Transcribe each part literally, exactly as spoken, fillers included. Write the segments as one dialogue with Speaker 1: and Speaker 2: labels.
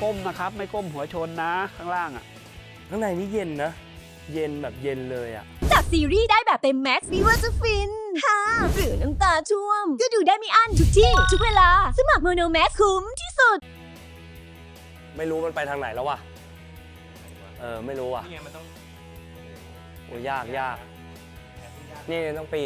Speaker 1: ก้มนะครับไม่ก้มหัวชนนะข้างล่างอ่ะ
Speaker 2: ข้างในนี่เย็นนะ เย็นแบบเย็นเลยอ่ะ
Speaker 3: จากซีรีส์ได้แบบเต็มแม็กซ์ไม่ว่าจะฟินฮ่าหรือน้ำตาช่วม ก็ดูได้ไม่อั้นทุกที่ ทุกเวลา สมัครโมโนแม็กซ์คุ้มที่สุด
Speaker 2: ไม่รู้มันไปทางไหนแล้ววะเออไม่รู้อ่ะ
Speaker 4: นี่ไงมันต้อง
Speaker 2: โอ้ยากยากนี่ต้องปีน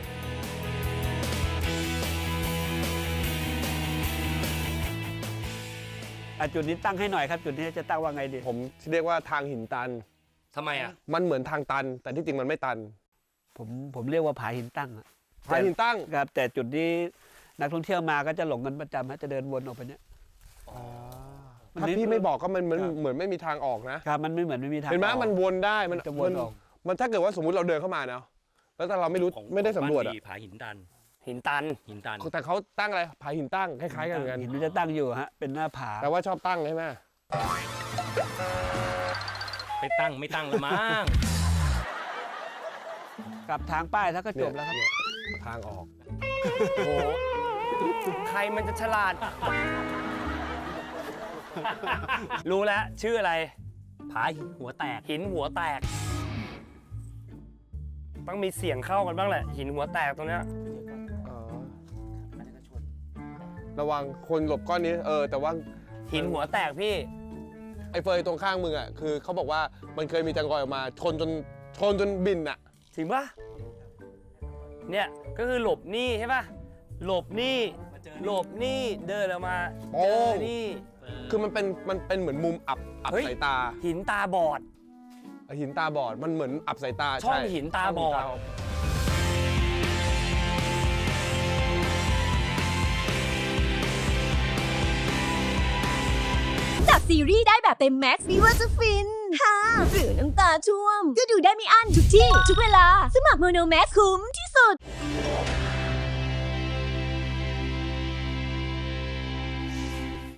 Speaker 1: อ่ะจุดนี้ตั้งให้หน่อยครับจุดนี้จะตั้งว่าไงดี
Speaker 5: ผมเรียกว่าทางหินตัน
Speaker 4: ทำไมอ่ะ
Speaker 5: มันเหมือนทางตัน แต่ที่จริงมันไม่ตัน
Speaker 1: ผมผมเรียกว่าผาหินตั้งอะ
Speaker 5: ทางหินตั้ง
Speaker 1: ครับแต่จุดนี้นักท่องเที่ยวมาก็จะหลงกันประจำฮะจะเดินวนออกไปเนี้ย
Speaker 5: ถ้าพี่ไม่บอกก็มันเหมือนเหมือนไม่มีทางออกนะครับ
Speaker 1: มันไม่เหมือนไม่มีทาง
Speaker 5: เห็นไหม
Speaker 1: ออก
Speaker 5: มันวนได้มัน
Speaker 1: จะวนออก
Speaker 5: มันถ้าเกิดว่าสมมุติเราเดินเข้ามาเนาะแล้วแต่เราไม่รู้
Speaker 4: ของ
Speaker 5: ไม่ได้สำรวจ
Speaker 4: บ้าน
Speaker 5: อะ
Speaker 4: ดีผาหินตัน
Speaker 2: หินตัน
Speaker 4: หินตัน
Speaker 5: แต่เขาตั้งอะไรผาหินตั้งคล้ายๆกันเหมือนกัน
Speaker 1: หินมันจะตั้งอยู่ฮะเป็นหน้าผา
Speaker 5: แต่ว่าชอบตั้งใช่ไหม
Speaker 4: ไปตั้งไม่ตั้งละมั้ง
Speaker 1: กลับทางป้ายแล้วก็จบแล้วครับ
Speaker 5: เนี่ยทางออก
Speaker 2: โอ้โหใครมันจะฉลาด รู้แล้วชื่ออะไร
Speaker 4: ผาหินหัวแตก
Speaker 2: หินหัวแตก ต้องมีเสียงเข้ากันบ้างแหละ หินหัวแตกตรงเนี้ย
Speaker 5: อ๋อระวังคนหลบก้อนนี้เออแต่ว่า
Speaker 2: หินหัวแตกพี่
Speaker 5: ไอ้เฟยตรงข้างมึงอ่ะคือเขาบอกว่ามันเคยมีจังกอยออกมาชนจนชนจนบินอ่ะ
Speaker 2: จริงปะเนี่ยก็คือหลบหนี้ใช่ปะหลบหนี้หลบหนี้เดินออกมา
Speaker 5: โอ้
Speaker 2: เจอหนี่
Speaker 5: คือมันเป็นมันเป็นเหมือนมุมอับอับ
Speaker 2: เฮ้ย
Speaker 5: สายตา
Speaker 2: หินตาบอด
Speaker 5: หินตาบอดมันเหมือนอับสายตา
Speaker 2: ช่อง
Speaker 5: ใ
Speaker 2: หินตาบอด
Speaker 3: จากซีรีส์ได้แบบเต็มแม็กซ์ไม่ว่าจะฟินฮ่าหรือน้ำตาช่วม ก็ดูได้ไม่อั้นทุกที่ ทุกเวลา สมัครโมโนแม็กซ์คุ้มที่สุด